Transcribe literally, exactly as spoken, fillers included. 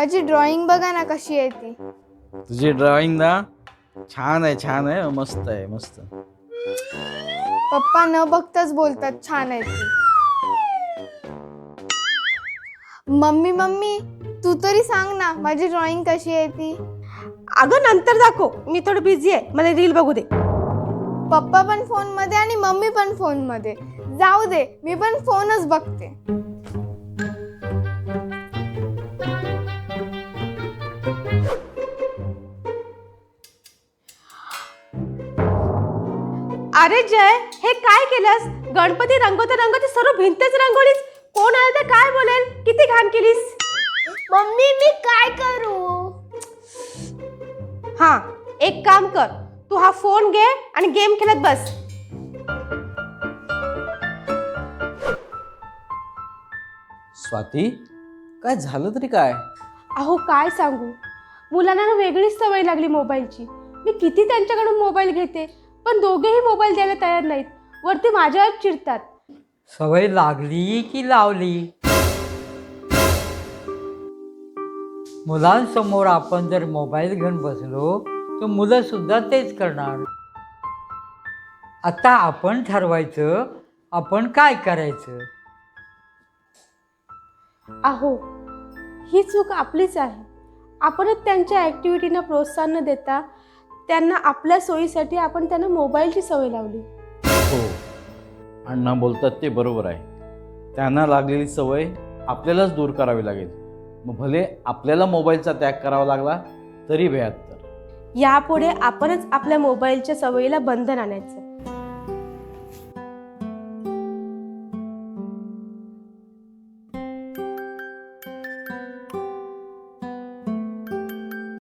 माझी ड्रॉइंग बघा ना कशी आहे ती. तुझी ड्रॉइंग ना छान आहे, छान आहे, मस्त आहे, मस्त. पप्पा न बघताच बोलतात छान आहे ती. मम्मी मम्मी तू तरी सांग ना माझी ड्रॉइंग कशी आहे ती. अगं नंतर दाखव, मी थोडं बिझी आहे, मला रील बघू दे. पप्पा पण फोन मध्ये आणि मम्मी पण फोन मध्ये. जाऊ दे मी पण फोनच बघते. अरे जय, हे काय केलंस? गणपती रंगवता रंगवता सर्व भिंतच रंगवलीस. कोण आलं तर काय बोलेल? किती घाण केलीस. मम्मी मी काय करू. हा, एक काम कर, तू हा फोन घे आणि गेम खेळत बस. स्वाती, काय झालं तरी काय? अहो काय सांगू, मुलांना ना वेगळीच सवय लागली मोबाईलची. मी किती त्यांच्याकडून मोबाईल घेते, पण दोघेही मोबाईल द्यायला तयार नाहीत. वरती माझ्यावर चिडतात. सवय लागली की लावली. मुलांसमोर आपण जर मोबाईल घेऊन बसलो तर मुलं सुद्धा तेच करणार. आता आपण ठरवायचं आपण काय करायचं. अहो ही चूक आपलीच आहे. आपणच त्यांच्या ॲक्टिव्हिटीना प्रोत्साहन न देता त्यांना आपल्या सोयीसाठी आपण त्यांना मोबाईलची सवय लावली. हो, अण्णा बोलतात ते बरोबर आहे. त्यांना लागलेली सवय आपल्यालाच दूर करावी लागेल. मग भले आपल्याला मोबाईलचा त्याग करावा लागला तरी बेहत्तर. यापुढे आपणच आपल्या मोबाईलच्या सवयीला बंधन आणायचं.